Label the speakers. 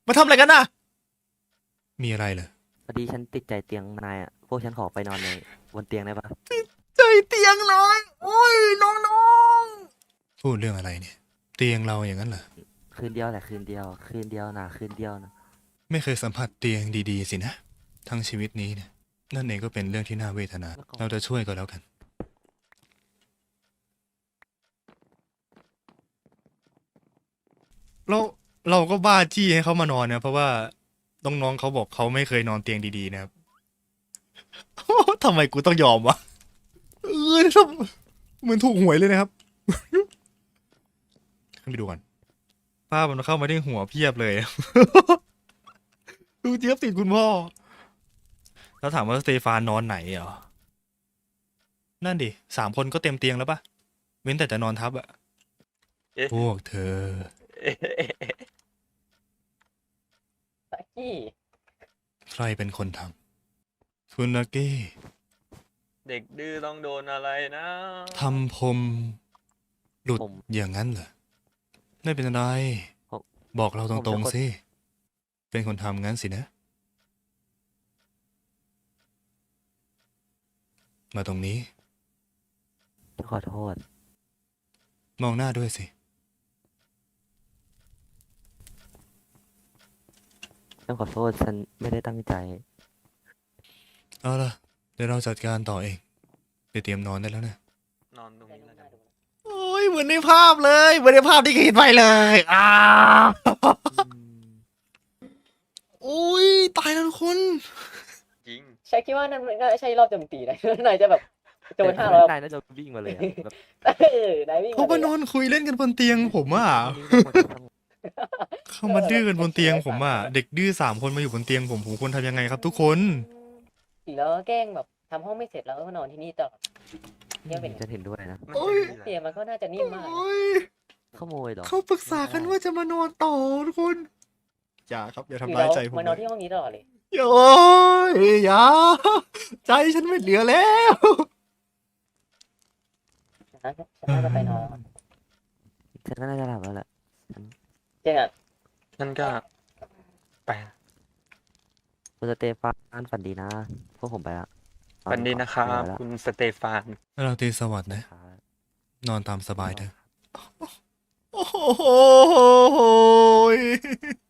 Speaker 1: มาทำอะไรกันน่ะมีอะไรเหรอ
Speaker 2: พอดีฉันติดใจเตียงนายอ่ะพวกฉันขอไปนอนในบนเตียงได้ปะ
Speaker 1: ใจเตียงเลยโอ้ยน้องๆพูดเรื่องอะไรเนี่ยเตียงเราอย่างนั้นเหรอ
Speaker 2: คืนเดียวแหละคืนเดียวคืนเดียวนะคืนเดียวนะ
Speaker 1: ไม่เคยสัมผัสเตียงดีๆสินะทั้งชีวิตนี้เนี่ยนั่นเองก็เป็นเรื่องที่น่าเวทนา
Speaker 2: แล้วก็
Speaker 1: เราจะช่วยก็แล้วกันเราเราก็บ้าจี้ให้เขามานอนนะเพราะว่าน้องๆเขาบอกเขาไม่เคยนอนเตียงดีๆนะครับทำไมกูต้องยอมวะทำเหมือนถูกหวยเลยนะครับขึ้นไปดูก่อนภาพมันเข้ามาที่หัวเพียบเลยดูเจี๊ยบติดคุณพ่อแล้วถามว่าสเตฟานนอนไหนเหรอนั่นดิ3 คนก็เต็มเตียงแล้วปะเว้นแต่จะนอนทับอะ
Speaker 3: เอ๊ะ
Speaker 1: พวกเธอ
Speaker 3: ตะกี้
Speaker 1: ใครเป็นคนทำคุณนาเก้
Speaker 3: เด็กดื้อต้องโดนอะไรนะ
Speaker 1: ทำผมหลุด
Speaker 2: ผม
Speaker 1: อย่างนั้นเหรอไม่เป็นไร
Speaker 2: ผม
Speaker 1: บอกเราต
Speaker 2: ผม
Speaker 1: ร
Speaker 2: จะ
Speaker 1: ง
Speaker 2: กด
Speaker 1: ๆสิเป็นคนทำงั้นสินะ มาตรงนี้
Speaker 2: ฉันขอโทษ
Speaker 1: มองหน้าด้วยสิ
Speaker 2: ฉันขอโทษฉันไม่ได้ตั้งใจ
Speaker 1: เอาล่ะเดี๋ยวเราจัดการต่อเองไปเตรียมนอนได้แล้วนะ
Speaker 3: นอนตรงนี้แล้วกัน
Speaker 1: โอ้ยเหมือนในภาพเลยเหมือนในภาพที่เห็นไปเลยโอ้ยตายแล้วทุกคน
Speaker 3: จริง
Speaker 4: ใช่คิดว่านั่นมันก็ใช่รอบโจมตีนะ นายจะแบบโจน
Speaker 2: แต่
Speaker 4: 500
Speaker 2: นายน่าจะวิ่งมาเลยอะแบบ
Speaker 4: นายวิ่ง
Speaker 1: เขามานอนคุยเล่นกันบนเตียงผมอ่ะ เข้ามาดื้อกันบนเตียงผมอ่ะเด็กดื้อ3 คนมาอยู่บนเตียงผมควรทำยังไงครับทุกคน
Speaker 4: แล้วก็แกล้งแบบทำห้องไม่เสร็จแล้วก็นอนที่นี่ตลอดเนี่ยเป็น
Speaker 2: ฉันเห็นด้วยนะ
Speaker 3: มัน
Speaker 1: โอ้
Speaker 3: จะ
Speaker 1: ย
Speaker 3: ดีแหละ
Speaker 4: เตียงมันก็น่าจะนิ่มมาก
Speaker 1: โอ้ย
Speaker 2: ขโมยเหรอ
Speaker 1: เขาปรึกษากันว่าจะมานอนต่อทุกคนอย่าครับอย่า
Speaker 4: หรือ
Speaker 1: ทำร้าย
Speaker 4: เรา
Speaker 1: ใจผม
Speaker 4: มานอน
Speaker 1: เลย
Speaker 4: ที่ห้องนี้ตลอดเลย
Speaker 1: โอ้ยอย่าใจฉันไม่เหลือแล้ว
Speaker 4: นะฉันน่าจะไปนอนแล้ว
Speaker 2: ฉันก็น่าจะหลับแล้วแหละ
Speaker 4: เจ๊งอ่ะ
Speaker 3: นั่นก็ไป
Speaker 2: คุณสเตฟานฝันดีนะพวกผมไปละ
Speaker 3: วันนี้นะครับ
Speaker 2: ไปละ
Speaker 3: คุณสเตฟาน
Speaker 1: เราตีสวัสดิ์นะ
Speaker 2: ครับ
Speaker 1: นอนตามสบายเถอะโอ้โห